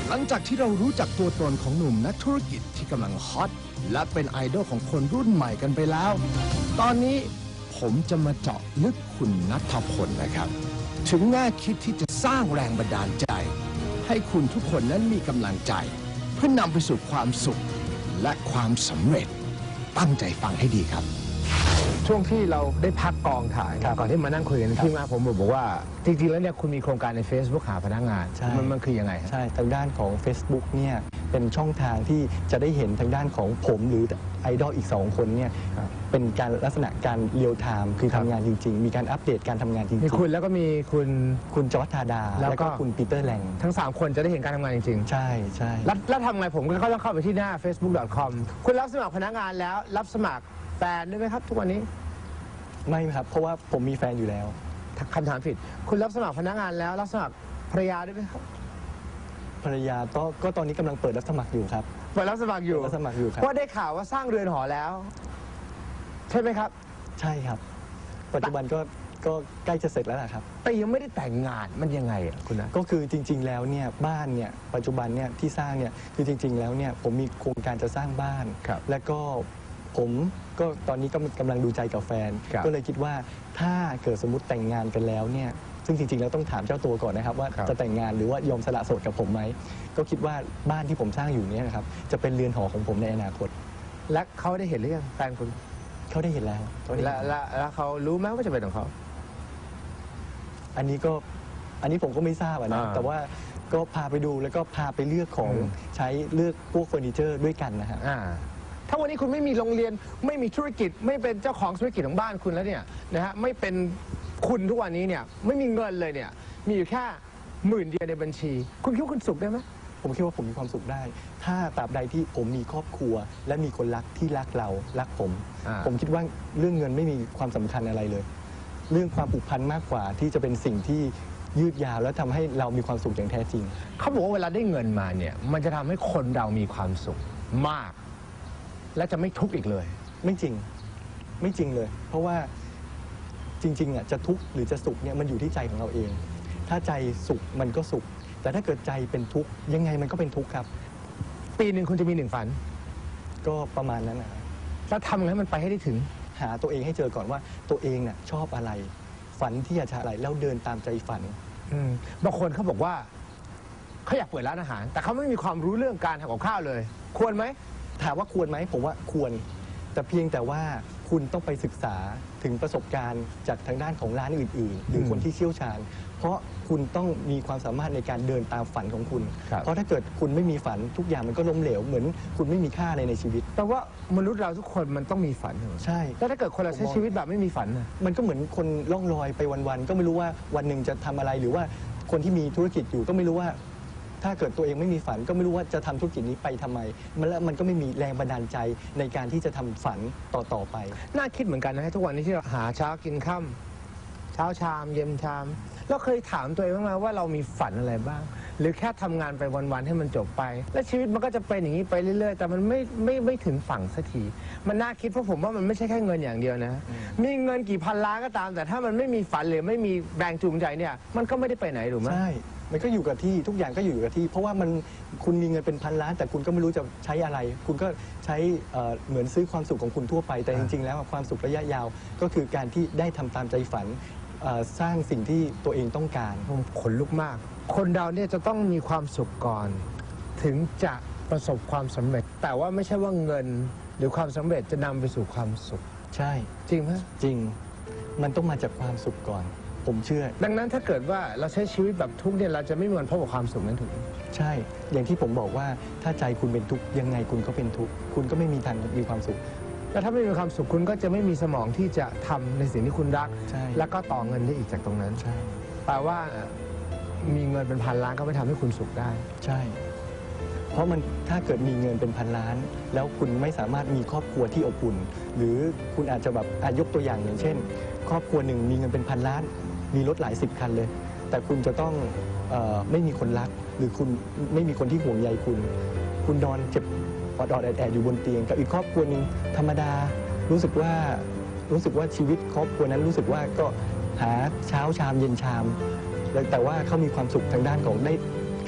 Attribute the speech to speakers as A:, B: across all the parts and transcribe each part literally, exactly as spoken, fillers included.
A: หลังจากที่เรารู้จักตัวตนของหนุ่มนักธุรกิจที่กำลังฮอตและเป็นไอดอลของคนรุ่นใหม่กันไปแล้ว ตอนนี้ผมจะมาเจาะลึกคุณณัฐพลนะครับ ถึงแง่คิดที่จะสร้างแรงบันดาลใจ ให้คุณทุกคนนั้นมีกำลังใจ เพื่อนำไปสู่ความสุขและความสำเร็จตั้งใจฟังให้ดีครับ ช่วงที่เราได้พักกองถ่ายก่อนที่มานั่งคุยกันที่มาผมบอกว่าจริงๆแล้วเนี่ยคุณมีโครงการใน Facebook หาพนักงานมันมันคือยังไง
B: ใช่ทางด้านของ Facebook เนี่ยเป็นช่องทางที่จะได้เห็นทางด้านของผมหรือไอดอลอีกสองคนเนี่ยเป็นการลักษณะการเรียลไทม์คือทำงานจริงๆมีการอัปเดตการทำงานจริงๆ
A: มีคุณแล้วก็มีคุณ
B: คุณจอร์จธาดาแล้วก็คุณปีเตอร์แลง
A: ทั้งสามคนจะได้เห็นการทำงานจริง
B: ๆใช่ใช่
A: แล้วแล้วทำไงผมก็ต้องเข้าไปที่หน้า เฟซบุ๊ก ดอท คอม คุณรับสมัครพนักงานแล้วรับสมัครแฟนด้วยไหมครับทุกวันนี้
B: ไม่ครับเพราะว่าผมมีแฟนอยู่แล้ว
A: คำถามผิดคุณรับสมัครพนักงานแล้วรับสมัครภรรยาด้วยไหมครับ
B: ภรรยาก็ก็ตอนนี้กำลังเปิดรับสมัครอยู่ครับ
A: เปิดรับสมัครอยู่
B: รับสมัครอยู่ครับ
A: เพราะได้ข่าวว่าสร้างเรือนหอแล้วใช่ไหมครับ
B: ใช่ครับปัจจุบันก็ก็ใกล้จะเสร็จแล้วนะครับ
A: แต่ยังไม่ได้แต่งงานมันยังไงอ่ะคุณนะ
B: ก็คือจริงๆแล้วเนี่ยบ้านเนี่ยปัจจุบันเนี่ยที่สร้างเนี่ยคือจริงๆแล้วเนี่ยผมมีโครงการจะสร้างบ้านและก็ผมก็ตอนนี้ก็กำลังดูใจกับแฟนก็เลยคิดว่าถ้าเกิดสมมติแต่งงานกันแล้วเนี่ยซึ่งจริงๆแล้วต้องถามเจ้าตัวก่อนนะครับว่าจะแต่งงานหรือว่ายอมสละโสดกับผมไหมก็คิดว่าบ้านที่ผมสร้างอยู่นี้นะครับจะเป็นเรือนหอของผมในอนาคต
A: และเขาได้เห็นหรือยังแฟนคุณ
B: เขาได้เห็นแล้ว
A: และแล้วเขารู้ไหมว่าจะเป็นของเขา
B: อันนี้ก็อันนี้ผมก็ไม่ทราบนะแต่ว่าก็พาไปดูแล้วก็พาไปเลือกของใช้เลือกพวกเฟอร์นิเจอร์ด้วยกันนะฮะ
A: ถ้าวันนี้คุณไม่มีโรงเรียนไม่มีธุรกิจไม่เป็นเจ้าของธุรกิจของบ้านคุณแล้วเนี่ยนะฮะไม่เป็นคุณทุกวันนี้เนี่ยไม่มีเงินเลยเนี่ยมีอยู่แค่หมื่นเดียวในบัญชีคุณคิดว่าคุณสุขได้ไหม
B: ผมคิดว่าผมมีความสุขได้ ถ้าตราบใดที่ผมมีครอบครัวและมีคนรักที่รักเรารักผมผมคิดว่าเรื่องเงินไม่มีความสำคัญอะไรเลยเรื่องความผูกพันมากกว่าที่จะเป็นสิ่งที่ยืดยาวแล้วทำให้เรามีความสุขอย่างแท้จริง
A: เขาบอกว่าเวลาได้เงินมาเนี่ยมันจะทำให้คนเรามีความสุขมากและจะไม่ทุกข์อีกเลย
B: ไม่จริงไม่จริงเลยเพราะว่าจริงๆอ่ะจะทุกข์หรือจะสุขเนี่ยมันอยู่ที่ใจของเราเองถ้าใจสุขมันก็สุขแต่ถ้าเกิดใจเป็นทุกข์ยังไงมันก็เป็นทุกข์ครับ
A: ปีหนึ่งคุณจะมีหนึ่งฝัน
B: ก็ประมาณนั้นนะ
A: แล้วทำไงให้มันไปให้ได้ถึง
B: หาตัวเองให้เจอก่อนว่าตัวเองน่ะชอบอะไรฝันที่อยากจะอะไรแล้วเดินตามใจฝัน
A: บางคนเขาบอกว่าเขาอยากเปิดร้านอาหารแต่เขาไม่มีความรู้เรื่องการทำกับข้าวเลยควรไหม
B: ถามว่าควรไหมผมว่าควรแต่เพียงแต่ว่าคุณต้องไปศึกษาถึงประสบการณ์จากทางด้านของร้านอื่นๆหรือคนที่เชี่ยวชาญเพราะคุณต้องมีความสามารถในการเดินตามฝันของคุณเพราะถ้าเกิดคุณไม่มีฝันทุกอย่างมันก็ล้มเหลวเหมือนคุณไม่มีค่าอะไรในชีวิต
A: แต่ว่ามนุษย์เราทุกคนมันต้องมีฝัน
B: ใช่
A: แล้วถ้าเกิดคนเราใช้ชีวิตแบบไม่มีฝัน
B: มันก็เหมือนคนล่องลอยไปวันๆก็ไม่รู้ว่าวันหนึ่งจะทำอะไรหรือว่าคนที่มีธุรกิจอยู่ก็ไม่รู้ว่าถ้าเกิดตัวเองไม่มีฝันก็ไม่รู้ว่าจะทำธุรกิจนี้ไปทำไมมันแล้วมันก็ไม่มีแรงบันดาลใจในการที่จะทำฝันต่อๆไป
A: น่าคิดเหมือนกันนะทุกวันนี้ที่เราหาเช้ากินค่ำเช้าชามเย็นชามเราเคยถามตัวเองบ้างไหมว่าเรามีฝันอะไรบ้างหรือแค่ทำงานไปวันๆให้มันจบไปและชีวิตมันก็จะเป็นอย่างนี้ไปเรื่อยๆแต่มันไม่ไม่ไม่ถึงฝั่งสักทีมันน่าคิดเพราะผมว่ามันไม่ใช่แค่เงินอย่างเดียวนะมีเงินกี่พันล้านก็ตามแต่ถ้ามันไม่มีฝันหรือไม่มีแรงจูงใจเนี่ยมันก็ไม่ได้ไปไหนถูกไหม
B: ใช่มันก็อยู่กับที่ทุกอย่างก็อยู่กับที่เพราะว่ามันคุณมีเงินเป็นพันล้านแต่คุณก็ไม่รู้จะใช้อะไรคุณก็ใช้เหมือนซื้อความสุขของคุณทั่วไปแต่จริงๆแล้วความสุขระยะยาวก็คือการที่ได้ทำตามใจฝันสร้างสิ่งที่ตัวเองต้องการ
A: ผมขนลุกมากคนเราเนี่ยจะต้องมีความสุขก่อนถึงจะประสบความสำเร็จแต่ว่าไม่ใช่ว่าเงินหรือความสำเร็จจะนำไปสู่ความสุข
B: ใช่
A: จริงไหม
B: จริงมันต้องมาจากความสุขก่อนผมเชื่อ
A: ดังนั้นถ้าเกิดว่าเราใช้ชีวิตแบบทุกข์เนี่ยเราจะไม่มีวันพบกับความสุขนั้นถูก
B: ใช่อย่างที่ผมบอกว่าถ้าใจคุณเป็นทุกข์ยังไงคุณก็เป็นทุกข์คุณก็ไม่มีทางมีความสุข
A: แล้วถ้าไม่มีความสุขคุณก็จะไม่มีสมองที่จะทำในสิ่งที่คุณรักแล้วก็ต่อเงินได้อีกจากตรงนั้น
B: ใช่
A: แปลว่ามีเงินเป็นพันล้านก็ไม่ทำให้คุณสุขได้
B: ใช่เพราะมันถ้าเกิดมีเงินเป็นพันล้านแล้วคุณไม่สามารถมีครอบครัวที่อบอุ่นหรือคุณอาจจะแบบอาจยกตัวอย่างอย่างเช่นครอบครัวหนึ่งมีเงินเป็นพันล้านมีรถหลายสิบคันเลยแต่คุณจะต้องเอ่อไม่มีคนรักหรือคุณไม่มีคนที่ห่วงใยคุณคุณนอนเจ็บอดอดแอดแอดอยู่บนเตียงกับอีกครอบครัวหนึ่งธรรมดารู้สึกว่ารู้สึกว่าชีวิตครอบครัวนั้นรู้สึกว่าก็หาเช้าชามเย็นชามแต่ว่าเขามีความสุขทางด้านของได้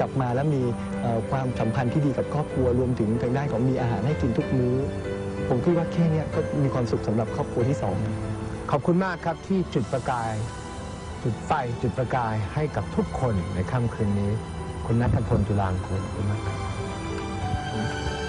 B: กลับมาแล้วมีเอ่อความสัมพันธ์ที่ดีกับครอบครัวรวมถึงทางด้านของมีอาหารให้กินทุกมื้อผมคิดว่าแค่เนี้ยก็มีความสุขสำหรับครอบครัวที่สอง
A: ขอบคุณมากครับที่จุดประกาย จุดไฟจุดประกายให้กับทุกคนในค่ำคืนนี้ คุณณัฐพล จุฬางกูลขอบคุณมากครับ